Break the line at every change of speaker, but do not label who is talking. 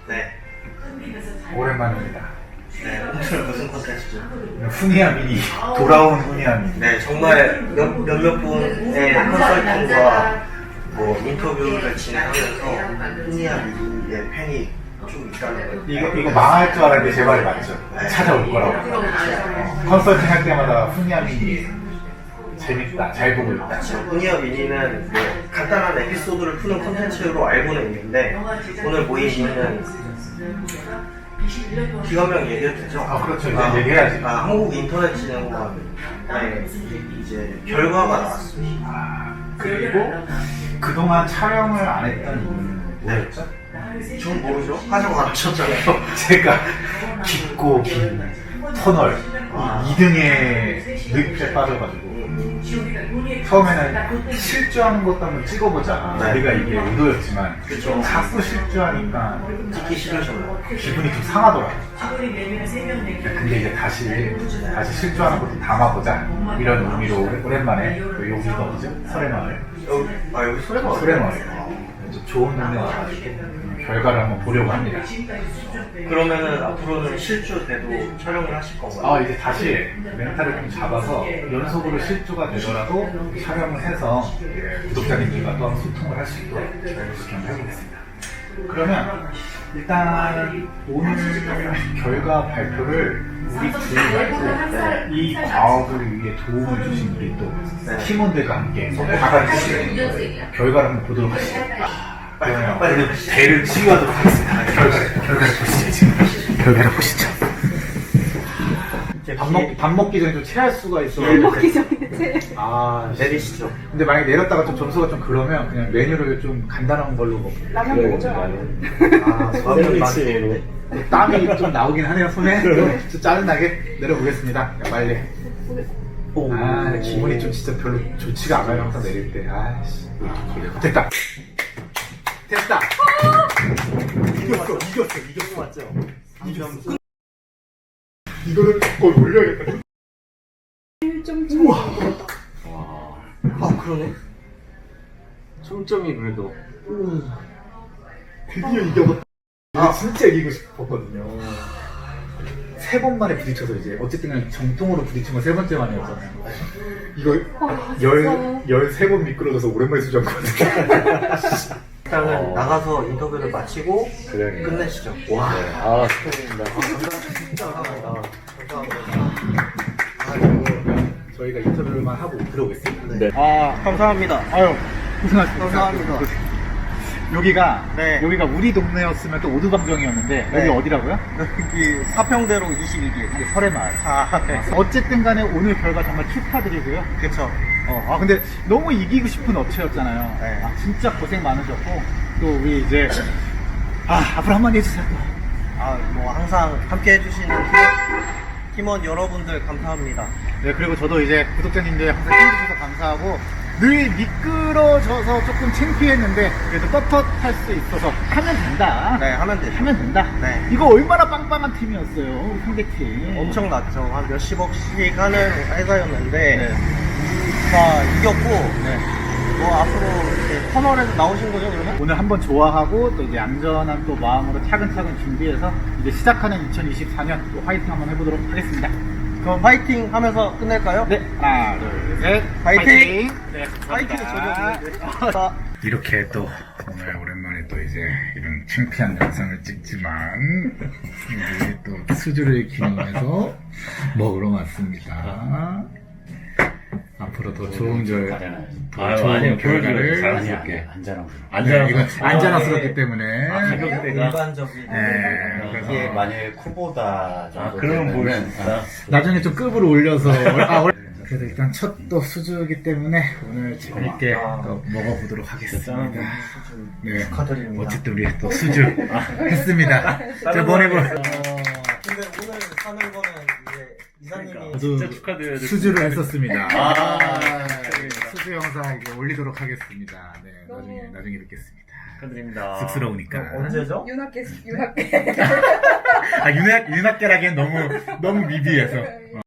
네.
오랜만입니다.
네, 오늘 무슨 콘텐츠죠?
후니아 미니, 돌아온 후니아 미니.
네, 정말 몇몇 분의 컨설팅과 뭐 인터뷰를 진행하면서 후니아 미니의 팬이 좀 있다는 걸.
이거 망할 줄 알았는데 제 말이 맞죠?
네.
찾아올 거라고. 컨설팅 할 때마다 후니아 미니 재밌다, 잘 보고 있다.
후니아 미니는 뭐 간단한 에피소드를 푸는 콘텐츠로 알고는 있는데 오늘 모인 이유는 기관명 얘기해도 되죠?
아, 그렇죠. 이제 얘기해야지.
한국인터넷진흥원에 이제 결과가 나왔습니다.
그리고 그동안 촬영을 안 했던 이유는 뭐였죠?
전 모르죠? 하자고 안 하셨잖아요.
제가 깊고 긴 터널 2등의 늪에 빠져가지고 처음에는 실주하는 것도 한번 찍어보자.
네.
우리가 이게 의도였지만
그쵸.
자꾸 실주하니까
찍기 싫으셨나요?
기분이 좀 상하더라고요. 근데 이제 다시 실주하는 것도 담아보자 이런 의미로 오랜만에 여기가 어디죠? 설해마을.
여기 소래마을.
설해마을. 좀 좋은 동네 와가지고 결과를 한번 보려고 합니다.
그러면은 앞으로는 실주돼도 촬영을 하실 건가요?
이제 다시 멘탈을 좀 잡아서 연속으로 실주가 되더라도 촬영을 해서 구독자님들과 또 한번 소통을 할 수 있도록 그렇게 한번 해보겠습니다. 그러면 일단 오늘 결과 발표를 우리 둘이 말고 이 과업을 위해 도움을 주신 우리 또 팀원들과 함께 다 같이 결과를 한번 보도록 하시죠. 그러면 배를 치유하도록 하겠습니다. 결과를 보시죠. 결과를 보시죠. 밥 먹기 전에 좀 체할 수가 있어.
밥 먹기 전에 체.
내리시죠.
근데 만약에 내렸다가 좀 점수가 좀 그러면 그냥 메뉴를 좀 간단한 걸로 먹고.
라면 먹죠.
라면 맛있는데.
땀이 좀 나오긴 하네요, 손에. 좀 짜증나게 내려보겠습니다. 야, 빨리. 기분이 좀 진짜 별로 좋지가 않아요, 항상 내릴 때. 아이씨. 됐다. 됐다. 이겼어.
맞죠?
이겼어. 이거를 거의 올려야겠다.
1점
우와.
그러네. 총점이 그래도.
드디어 이겨봤다. 이거 진짜 이기고 싶었거든요. 3번 만에 부딪혀서 이제 어쨌든 간에 정통으로 부딪힌 건 3번째 만이었잖아요. 이거 13번 미끄러져서 오랜만에 수정거든요.
일단은 나가서 인터뷰를 마치고
그래.
끝내시죠.
와. 축하드립니다.
감사합니다.
저희가 인터뷰만 하고 들어오겠습니다.
네. 감사합니다.
아유, 고생하셨습니다.
감사합니다.
여기가 우리 동네였으면 또 오두방정이었는데
네.
여기 어디라고요?
여기 사평대로 22길.
이게 설해마을.
네.
어쨌든 간에 오늘 결과 정말 축하드리고요.
그쵸.
근데 너무 이기고 싶은 업체였잖아요.
네.
진짜 고생 많으셨고 또 우리 이제 앞으로 한마디 해주세요.
뭐 항상 함께 해주시는 팀원 여러분들 감사합니다.
네, 그리고 저도 이제 구독자님들 항상 힘주셔서 감사하고 늘 미끄러져서 조금 창피했는데 그래도 떳떳할 수 있어서 하면 된다.
네, 하면 되죠.
하면 된다.
네.
이거 얼마나 빵빵한 팀이었어요, 우리 상대팀.
엄청났죠. 한 몇십억씩 하는 회사였는데
네.
다 이겼고
네.
뭐 앞으로 이렇게 터널에서 나오신 거죠, 그러면?
오늘 한번 좋아하고 또 이제 안전한 또 마음으로 차근차근 준비해서 이제 시작하는 2024년 또 화이팅 한번 해보도록 하겠습니다.
그럼 파이팅 하면서 끝낼까요?
네, 하나, 둘, 셋,
파이팅!
네,
파이팅을
감사합니다.
전혀
이렇게 또 오늘 오랜만에 또 이제 이런 창피한 영상을 찍지만 우리 또 수주를 기념해서 먹으러 왔습니다. 앞으로 더 좋은 좋은 결과를
자연스럽게
이건 안전스럽기 때문에
가격대가
일반적인
네,
이게 만약에 쿠보다 정도 그러면 뭘
네. 나중에 좀 급으로 올려서 그래서 일단 첫 또 수주이기 때문에 오늘 재밌게 또 먹어보도록 하겠습니다. 네,
축하드립니다.
어쨌든 우리 또 수주 했습니다. 자, 보내고
근데 오늘 사는 거는 이제 이사님이
진짜 축하드려야 될
수주를 했었습니다.
네.
수주 영상 이제 올리도록 하겠습니다. 네, 나중에 뵙겠습니다.
축하드립니다.
쑥스러우니까.
언제죠?
윤학계.
윤학계라기엔 너무 미비해서.